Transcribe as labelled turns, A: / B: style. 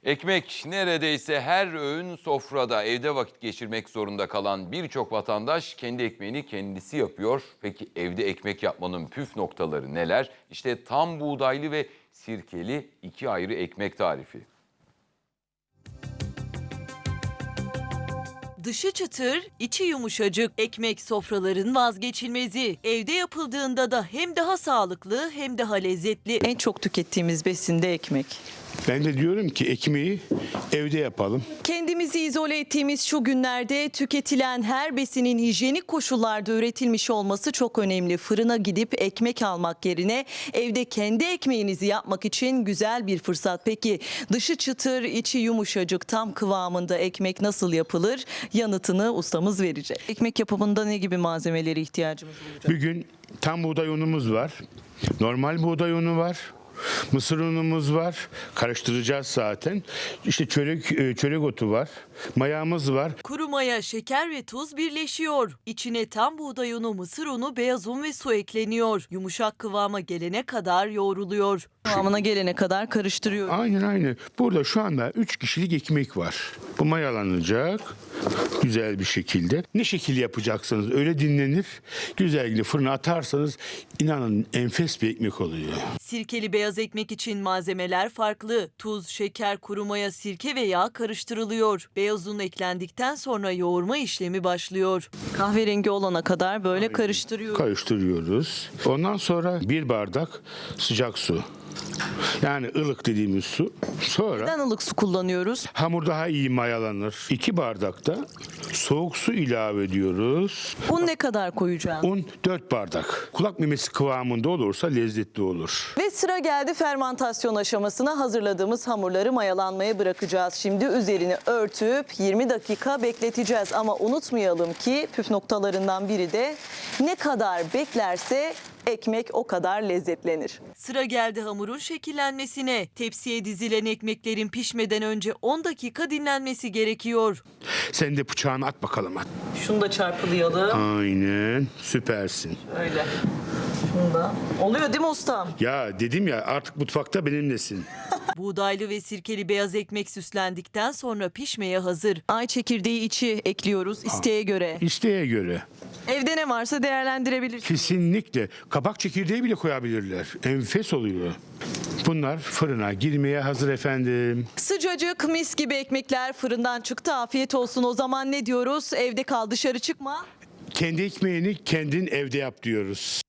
A: Ekmek neredeyse her öğün sofrada, evde vakit geçirmek zorunda kalan birçok vatandaş kendi ekmeğini kendisi yapıyor. Peki evde ekmek yapmanın püf noktaları neler? İşte tam buğdaylı ve sirkeli iki ayrı ekmek tarifi.
B: Dışı çıtır, içi yumuşacık. Ekmek sofraların vazgeçilmezi. Evde yapıldığında da hem daha sağlıklı hem daha lezzetli.
C: En çok tükettiğimiz besin de ekmek.
D: Ben de diyorum ki ekmeği evde yapalım.
C: Kendimizi izole ettiğimiz şu günlerde tüketilen her besinin hijyenik koşullarda üretilmiş olması çok önemli. Fırına gidip ekmek almak yerine evde kendi ekmeğinizi yapmak için güzel bir fırsat. Peki dışı çıtır, içi yumuşacık, tam kıvamında ekmek nasıl yapılır? Yanıtını ustamız verecek. Ekmek yapımında ne gibi malzemelere ihtiyacımız olacak?
D: Bir gün tam buğday unumuz var. Normal buğday unu var. Mısır unumuz var. Karıştıracağız zaten. İşte çörek otu var. Mayamız var.
B: Kuru maya, şeker ve tuz birleşiyor. İçine tam buğday unu, mısır unu, beyaz un ve su ekleniyor. Yumuşak kıvama gelene kadar yoğruluyor.
C: Kıvamına gelene kadar karıştırıyoruz.
D: Aynen. Burada şu anda 3 kişilik ekmek var. Bu mayalanacak güzel bir şekilde. Ne şekil yapacaksınız öyle dinlenir. Güzel fırına atarsanız inanın enfes bir ekmek oluyor.
B: Sirkeli beyaz ekmek için malzemeler farklı. Tuz, şeker, kuru maya, sirke ve yağ karıştırılıyor. Beyaz un eklendikten sonra yoğurma işlemi başlıyor.
C: Kahverengi olana kadar böyle karıştırıyoruz.
D: Karıştırıyoruz. Ondan sonra 1 bardak sıcak su. Yani ılık dediğimiz su. Sonra
C: Neden ılık su kullanıyoruz?
D: hamur daha iyi mayalanır. 2 bardak da soğuk su ilave ediyoruz.
C: Un ne kadar koyacağız?
D: Un 4 bardak. Kulak memesi kıvamında olursa lezzetli olur.
C: Ve sıra geldi fermantasyon aşamasına. Hazırladığımız hamurları mayalanmaya bırakacağız. Şimdi üzerini örtüp 20 dakika bekleteceğiz. Ama unutmayalım ki püf noktalarından biri de ne kadar beklerse ekmek o kadar lezzetlenir.
B: Sıra geldi hamurun şekillenmesine. Tepsiye dizilen ekmeklerin pişmeden önce 10 dakika dinlenmesi gerekiyor.
D: Sen de bıçağını at bakalım at.
C: Şunu da çarpılayalım.
D: Aynen süpersin.
C: Öyle. Şunu da. Oluyor değil mi ustam?
D: Ya dedim ya artık mutfakta benimlesin.
B: Buğdaylı ve sirkeli beyaz ekmek süslendikten sonra pişmeye hazır.
C: Ay çekirdeği içi ekliyoruz isteğe göre.
D: İsteğe göre.
C: Evde ne varsa değerlendirebilirsiniz.
D: Kesinlikle. Kabak çekirdeği bile koyabilirler. Enfes oluyor. Bunlar fırına girmeye hazır efendim.
C: Sıcacık mis gibi ekmekler fırından çıktı. Afiyet olsun. O zaman ne diyoruz? Evde kal, dışarı çıkma.
D: Kendi ekmeğini kendin evde yap diyoruz.